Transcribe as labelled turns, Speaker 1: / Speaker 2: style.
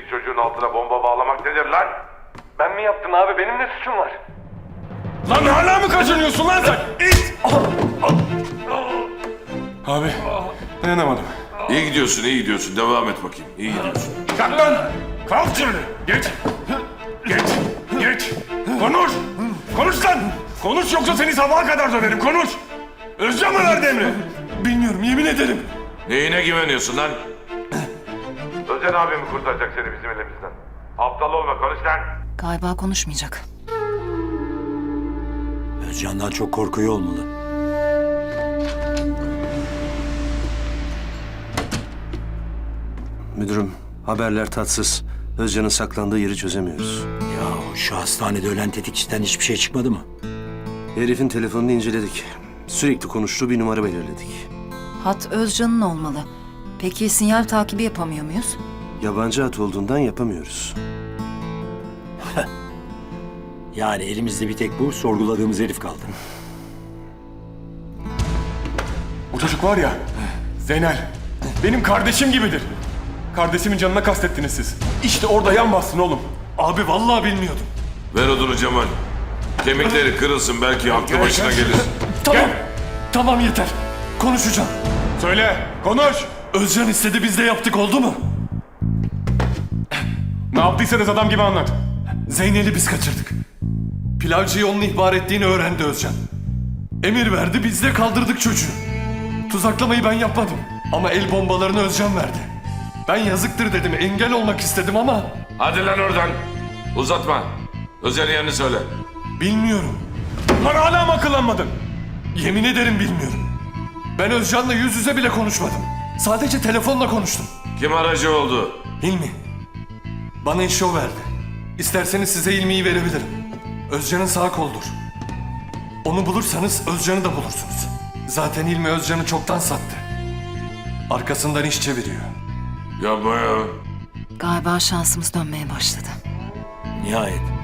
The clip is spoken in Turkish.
Speaker 1: çocuğun altına bomba bağlamak nedir lan?
Speaker 2: Ben mi yaptım abi? Benim ne suçum var?
Speaker 3: Lan hala mı kaçınıyorsun lan sen? İt! Abi dayanamadım.
Speaker 1: İyi gidiyorsun, iyi gidiyorsun. Devam et bakayım. İyi gidiyorsun.
Speaker 3: Kalk lan! Kalk şimdi! Geç! Geç! Geç! Konuş! Konuş lan! Konuş yoksa seni sabaha kadar döverim, konuş! Özcan mı verdi emri? Bilmiyorum, yemin ederim.
Speaker 1: Neyine güveniyorsun lan? Özcan abi mi kurtaracak seni bizim elimizden? Aptal olma, konuş lan.
Speaker 4: Galiba konuşmayacak.
Speaker 5: Özcan'dan çok korkuyor olmalı.
Speaker 6: Müdürüm, haberler tatsız. Özcan'ın saklandığı yeri çözemiyoruz.
Speaker 5: Ya şu hastanede ölen tetikçiden hiçbir şey çıkmadı mı?
Speaker 6: Herifin telefonunu inceledik. Sürekli konuştuğu bir numara belirledik.
Speaker 4: Hat Özcan'ın olmalı. Peki sinyal takibi yapamıyor muyuz?
Speaker 6: Yabancı hat olduğundan yapamıyoruz.
Speaker 5: Yani elimizde bir tek bu sorguladığımız herif kaldı.
Speaker 3: O çocuk var ya, Zeynel, benim kardeşim gibidir. Kardeşimin canına kastettiniz siz. İşte orada yan bastın oğlum. Abi vallahi bilmiyordum.
Speaker 1: Ver odunu Cemal. Kemikleri kırılsın, belki aklı başına gelir.
Speaker 3: Tamam.
Speaker 7: Tamam yeter. Konuşacağım.
Speaker 3: Söyle, konuş.
Speaker 7: Özcan istedi biz de yaptık oldu mu?
Speaker 3: Ne yaptıysanız adam gibi anlat.
Speaker 7: Zeynel'i biz kaçırdık. Pilavcıyı onun ihbar ettiğini öğrendi Özcan. Emir verdi biz de kaldırdık çocuğu. Tuzaklamayı ben yapmadım. Ama el bombalarını Özcan verdi. Ben yazıktır dedim, engel olmak istedim ama
Speaker 1: Hadi lan oradan. Uzatma. Özcan'ın yerini söyle.
Speaker 7: bilmiyorum.
Speaker 3: Lan hala mı akıllanmadın?
Speaker 7: Yemin ederim bilmiyorum. Ben Özcan'la yüz yüze bile konuşmadım. Sadece telefonla konuştum.
Speaker 1: Kim aracı oldu?
Speaker 7: Hilmi. Bana işi o verdi. İsterseniz size Hilmi'yi verebilirim. Özcan'ın sağ koldur. Onu bulursanız Özcan'ı da bulursunuz. Zaten Hilmi Özcan'ı çoktan sattı. Arkasından iş çeviriyor.
Speaker 1: Yapma ya.
Speaker 4: Galiba şansımız dönmeye başladı.
Speaker 5: Nihayet.